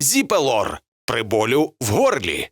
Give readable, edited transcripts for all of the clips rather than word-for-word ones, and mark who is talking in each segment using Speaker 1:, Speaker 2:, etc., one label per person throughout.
Speaker 1: Зіпелор при болю в горлі.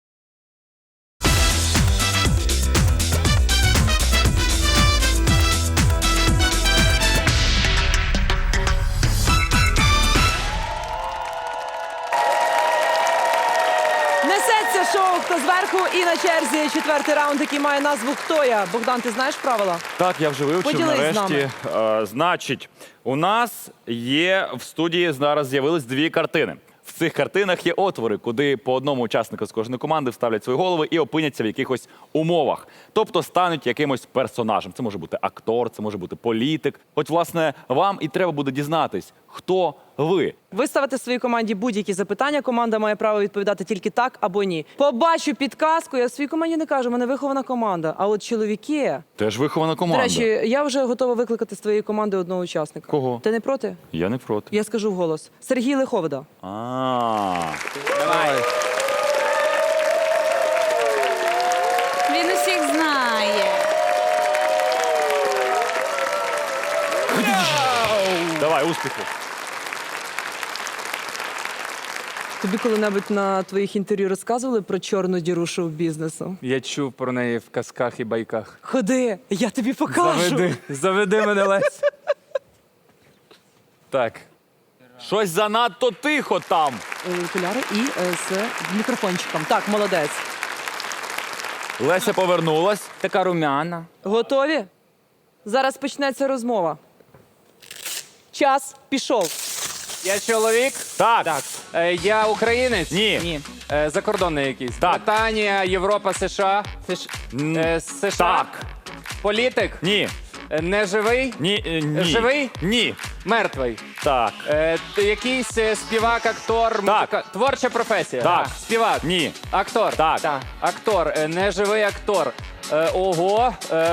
Speaker 2: Несеться шоу «Хто зверху» і на черзі четвертий раунд, який має назву «Хто я?». Богдан, ти знаєш правила?
Speaker 3: Так, я вже вивчив
Speaker 2: Поділись з
Speaker 3: нарешті. Значить, у нас є в студії зараз з'явились дві картини. В цих картинах є отвори, куди по одному учаснику з кожної команди вставлять свої голови і опиняться в якихось умовах. Тобто стануть якимось персонажем. Це може бути актор, це може бути політик. От, власне, вам і треба буде дізнатись, хто ви.
Speaker 2: Ви ставите своїй команді будь-які запитання, команда має право відповідати тільки так або ні. Побачу підказку, я своїй команді не кажу, в мене вихована команда. А от чоловіки...
Speaker 3: Теж вихована
Speaker 2: До
Speaker 3: команда.
Speaker 2: речі, я вже готова викликати з твоєї команди одного учасника.
Speaker 3: Кого?
Speaker 2: Ти не проти?
Speaker 3: Я не проти.
Speaker 2: Я скажу вголос. Сергій Лиховда.
Speaker 3: Давай.
Speaker 4: Він усіх знає.
Speaker 3: Давай, успіху.
Speaker 2: Тобі коли-небудь на твоїх інтерв'ю розказували про чорну діру шоу-бізнесу?
Speaker 5: Я чув про неї в казках і байках.
Speaker 2: Ходи, я тобі покажу.
Speaker 5: Заведи мене, Лесь. Так.
Speaker 3: Щось занадто тихо там.
Speaker 2: Окуляри і з мікрофончиком. Так, молодець.
Speaker 3: Леся повернулась.
Speaker 5: Така румяна.
Speaker 2: Готові? Зараз почнеться розмова. Час пішов.
Speaker 5: Я чоловік?
Speaker 3: Так.
Speaker 5: Я українець?
Speaker 3: Ні.
Speaker 5: Закордонний якийсь?
Speaker 3: Так.
Speaker 5: Британія, Європа, США? США?
Speaker 3: Так.
Speaker 5: Політик?
Speaker 3: Ні.
Speaker 5: Неживий?
Speaker 3: Ні.
Speaker 5: Живий?
Speaker 3: Ні.
Speaker 5: Мертвий?
Speaker 3: Так.
Speaker 5: Якийсь співак, актор,
Speaker 3: Так.
Speaker 5: Творча професія?
Speaker 3: Так.
Speaker 5: Співак?
Speaker 3: Ні.
Speaker 5: Актор?
Speaker 3: Так.
Speaker 5: Актор, неживий актор. Ого.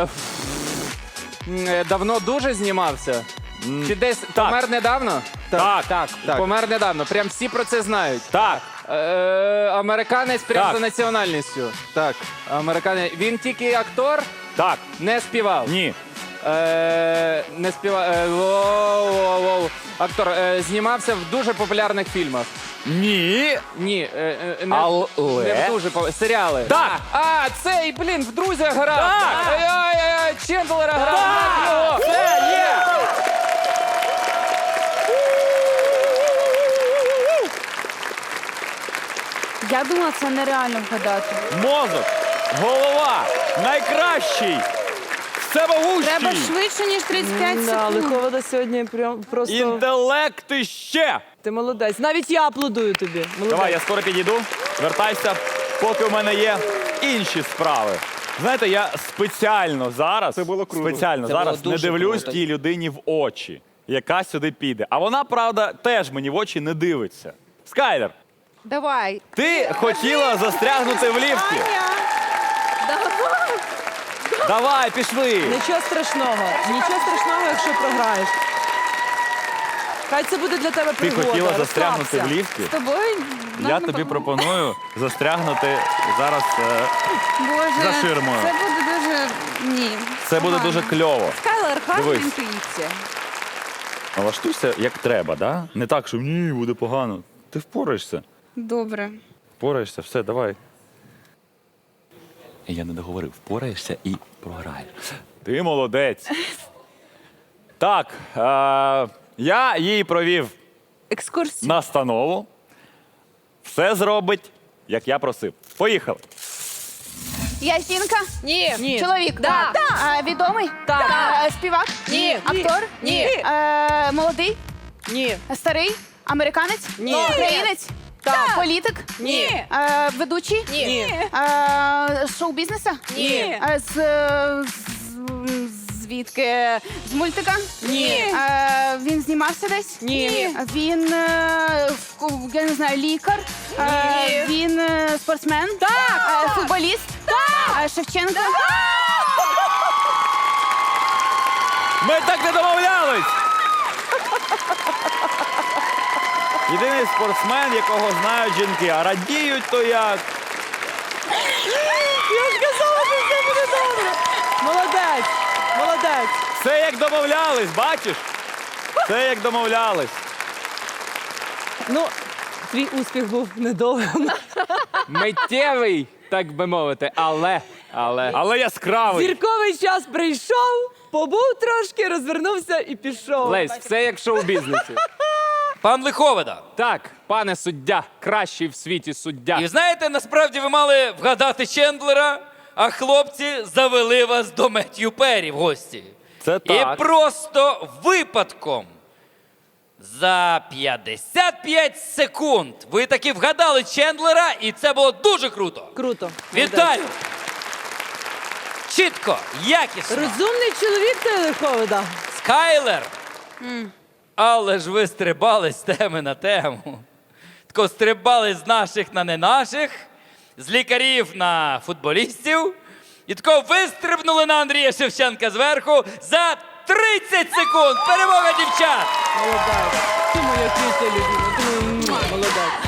Speaker 5: Давно дуже знімався? Чи десь
Speaker 3: так.
Speaker 5: помер недавно?
Speaker 3: Так.
Speaker 5: Помер недавно. Прям всі про це знають.
Speaker 3: Так.
Speaker 5: Американець прям
Speaker 3: Так.
Speaker 5: за національністю. Так. Американець. Він тільки актор,
Speaker 3: Так.
Speaker 5: не співав.
Speaker 3: Ні.
Speaker 5: Не співав. Воу. Актор знімався в дуже популярних фільмах.
Speaker 3: Ні.
Speaker 5: Ні, не,
Speaker 3: Але?
Speaker 5: не в дуже серіали.
Speaker 3: Так.
Speaker 5: Цей, блін, в друзях грав.
Speaker 3: Так.
Speaker 5: Ай-яй-яй, Чендлера грав.
Speaker 3: Так. Це є.
Speaker 4: Я думала, це нереально вгадати.
Speaker 3: Мозок. Голова. Найкращий. Всемогущий.
Speaker 4: Треба швидше, ніж 35
Speaker 2: Да,
Speaker 4: секунд.
Speaker 2: Лиховда сьогодні прям просто...
Speaker 3: Інтелект іще.
Speaker 2: Ти молодець. Навіть я аплодую тобі. Молодець.
Speaker 3: Давай, я скоро підійду. Вертайся, поки у мене є інші справи. Знаєте, я спеціально зараз, не дивлюсь тій людині в очі, яка сюди піде. А вона, правда, теж мені в очі не дивиться. Скайлер,
Speaker 4: Давай.
Speaker 3: ти хотіла застрягнути в ліфті. Давай, пішли.
Speaker 2: Нічого страшного, якщо програєш. Хай це буде для тебе
Speaker 3: Ти
Speaker 2: пригода.
Speaker 3: хотіла застрягнути в
Speaker 2: розслабся.
Speaker 3: ліфті?
Speaker 4: З тобою?
Speaker 3: Я тобі пропоную застрягнути зараз.
Speaker 4: Боже,
Speaker 3: за ширмою.
Speaker 4: Це буде дуже... Ні.
Speaker 3: Це буде
Speaker 4: погано.
Speaker 3: дуже кльово.
Speaker 4: Скайлер, гарна
Speaker 3: Дивись.
Speaker 4: інтуїція.
Speaker 3: Налаштуйся як треба, да? Не так, що ні, буде погано. Ти впораєшся.
Speaker 4: Добре.
Speaker 3: Впораєшся, все, давай. Я не договорив. Впораєшся і програєш. Ти молодець. Так, я їй провів
Speaker 4: Екскурсія.
Speaker 3: настанову. Все зробить, як я просив. Поїхали.
Speaker 4: Я жінка?
Speaker 2: Ні. Ні.
Speaker 4: Чоловік?
Speaker 2: Да.
Speaker 4: Відомий?
Speaker 2: Так.
Speaker 4: Співак?
Speaker 2: Ні.
Speaker 4: Актор?
Speaker 2: Ні.
Speaker 4: Молодий?
Speaker 2: Ні.
Speaker 4: Старий? Американець?
Speaker 2: Ні.
Speaker 4: Українець?
Speaker 2: Так.
Speaker 4: Політик?
Speaker 2: Ні.
Speaker 4: Ведучий?
Speaker 2: Ні.
Speaker 4: Шоу-бізнеса?
Speaker 2: Ні.
Speaker 4: Звідки? З мультика?
Speaker 2: Ні.
Speaker 4: Він знімався десь?
Speaker 2: Ні.
Speaker 4: Він, я не знаю, лікар?
Speaker 2: Ні.
Speaker 4: Він спортсмен?
Speaker 2: Так.
Speaker 4: Футболіст? Так. Шевченко?
Speaker 3: Ми так не домовлялись! Єдиний спортсмен, якого знають жінки, а радіють то як.
Speaker 2: Я ж казала, що все буде добре. Молодець. Молодець.
Speaker 3: Все як домовлялись, бачиш? Все як домовлялись.
Speaker 2: Ну, Твій успіх був недовгим.
Speaker 5: Миттєвий, так би мовити, але.
Speaker 3: Але яскравий.
Speaker 2: Зірковий час прийшов, побув трошки, розвернувся і пішов.
Speaker 5: Лесь, все як в шоу-бізнесі.
Speaker 6: Пан Лиховида.
Speaker 5: Так, пане суддя, кращий в світі суддя.
Speaker 6: І знаєте, насправді ви мали вгадати Чендлера, а хлопці завели вас до Меттью Перрі в гості.
Speaker 3: Це так.
Speaker 6: І просто випадком за 55 секунд ви таки вгадали Чендлера, і це було дуже круто.
Speaker 2: Круто.
Speaker 6: Вітаю! Чітко, якісно.
Speaker 2: Розумний чоловік ти, Лиховида.
Speaker 6: Скайлер. Але ж ви стрибали з теми на тему. Тако стрибали з наших на не наших, з лікарів на футболістів. І тако вистрибнули на Андрія Шевченка зверху за 30 секунд. Перемога дівчат!
Speaker 2: Молодець. Ти моя квітя любима. Молодець.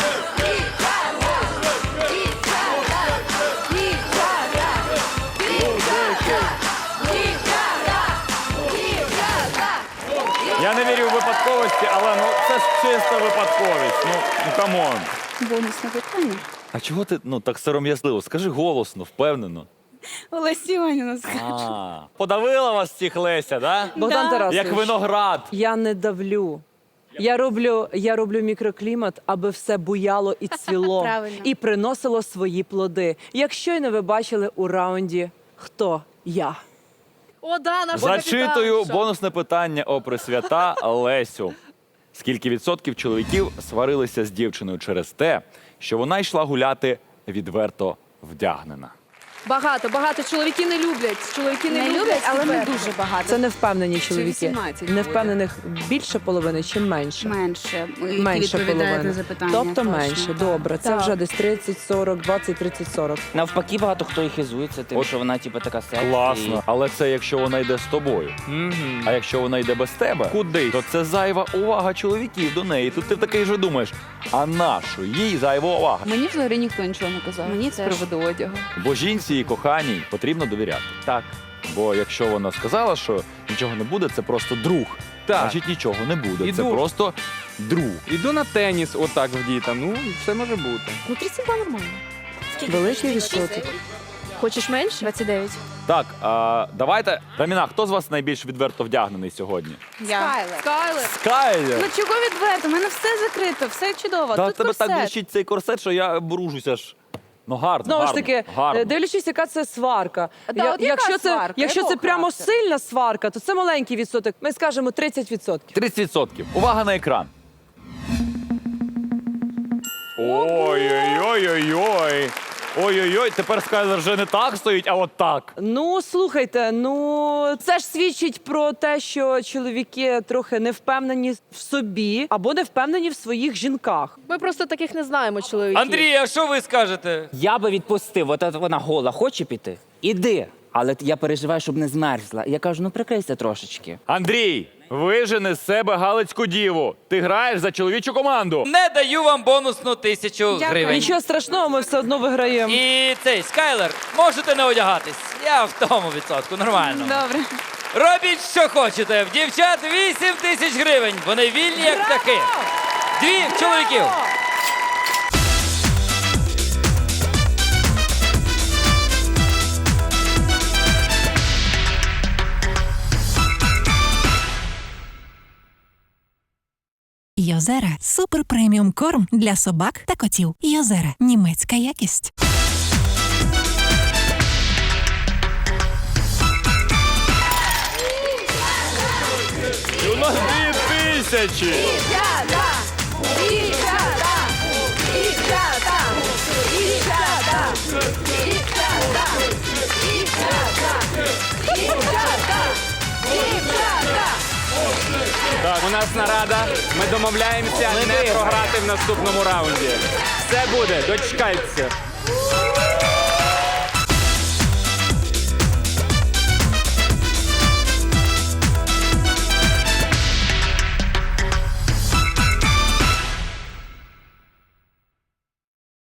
Speaker 3: Я не вірю в випадковості, але ну це ж чиста випадковість. Ну камон.
Speaker 4: Бонусне питання.
Speaker 3: А чого ти так сором'язливо? Скажи голосно, впевнено.
Speaker 4: Олесі Іванівна.
Speaker 3: Подавила вас всіх Леся, да?
Speaker 2: Богдан Тарасович,
Speaker 3: Як виноград.
Speaker 2: я не давлю. Я роблю мікроклімат, аби все буяло і цвіло.
Speaker 4: Правильно.
Speaker 2: І приносило свої плоди. Як щойно ви бачили у раунді «Хто я?».
Speaker 7: О, да, наш
Speaker 3: Зачитую
Speaker 7: капітан.
Speaker 3: бонусне питання о Пресвята Лесю. Скільки відсотків чоловіків сварилися з дівчиною через те, що вона йшла гуляти відверто вдягнена?
Speaker 7: Багато. Чоловіки не люблять. Чоловіки не,
Speaker 4: Не люблять, але не
Speaker 7: відверто.
Speaker 4: дуже багато.
Speaker 2: Це невпевнені чоловіки.
Speaker 7: 18
Speaker 2: Невпевнених більше половини чи менше?
Speaker 4: Менше.
Speaker 2: Менше половини.
Speaker 4: На запитання.
Speaker 2: Тобто
Speaker 4: точно,
Speaker 2: менше.
Speaker 4: так.
Speaker 2: Добре, це
Speaker 4: Так.
Speaker 2: вже десь 30-40, 20-30-40.
Speaker 8: Навпаки, багато хто і хизується тим,
Speaker 3: От
Speaker 8: що вона типу така сексі.
Speaker 3: Класно. Але це якщо вона йде з тобою. А якщо вона йде без тебе, куди? То це зайва увага чоловіків до неї. Тут ти такий же думаєш, а нащо їй зайва увага?
Speaker 7: Мені взагалі ніхто нічого не казав.
Speaker 4: Мені
Speaker 7: з
Speaker 4: теж.
Speaker 7: приводу одягу.
Speaker 3: Бо жінці і коханій потрібно довіряти.
Speaker 5: Так.
Speaker 3: Бо якщо вона сказала, що нічого не буде, це просто друг.
Speaker 5: Так.
Speaker 3: Значить нічого не буде. Це
Speaker 5: Іду.
Speaker 3: просто друг.
Speaker 5: Іду на теніс отак вдіта, ну, все може бути.
Speaker 7: Ну, 32 нормально.
Speaker 2: Великий відсоток.
Speaker 7: Хочеш менше?
Speaker 4: 29.
Speaker 3: Так, давайте. Раміна, хто з вас найбільш відверто вдягнений сьогодні?
Speaker 4: Я.
Speaker 7: Скайлер.
Speaker 3: Скайлер!
Speaker 4: Ну чого відверто? У мене все закрито, все чудово.
Speaker 3: Та
Speaker 4: Тут
Speaker 3: тебе
Speaker 4: корсет.
Speaker 3: так блищить цей корсет, що я бружуся ж. Ну гарно,
Speaker 2: Знову ж
Speaker 3: гарно,
Speaker 2: таки,
Speaker 3: гарно.
Speaker 2: дивлячись, яка це сварка.
Speaker 4: Да, от яка сварка?
Speaker 2: Якщо це
Speaker 4: Якого
Speaker 2: прямо
Speaker 4: характеру?
Speaker 2: сильна сварка, то це маленький відсоток. Ми скажемо 30%.
Speaker 3: 30%. Увага на екран. Ой-ой-ой-ой-ой. Ой-ой-ой, тепер Скайлер вже не так стоїть, а от так.
Speaker 2: Ну, слухайте, це ж свідчить про те, що чоловіки трохи не впевнені в собі або не впевнені в своїх жінках.
Speaker 7: Ми просто таких не знаємо чоловіків.
Speaker 6: Андрій, а що ви скажете?
Speaker 8: Я би відпустив, от вона гола, хоче піти? Іди. Але я переживаю, щоб не змерзла. Я кажу, ну прикрийся трошечки.
Speaker 3: Андрій, вижени з себе галицьку діву. Ти граєш за чоловічу команду.
Speaker 6: Не даю вам бонусну 1000 гривень.
Speaker 2: Нічого страшного, ми все одно виграємо.
Speaker 6: І цей Скайлер, можете не одягатись. Я в тому відсотку, нормально.
Speaker 4: Добре.
Speaker 6: Робіть, що хочете. В дівчат 8000 гривень. Вони вільні, як птахи. 2 чоловіків.
Speaker 9: Йозера – супер преміум корм для собак та котів. Йозера – німецька якість.
Speaker 3: І у нас 2000.
Speaker 5: Так, у нас нарада. Ми домовляємося не програти в наступному раунді. Все буде, дочекайтеся.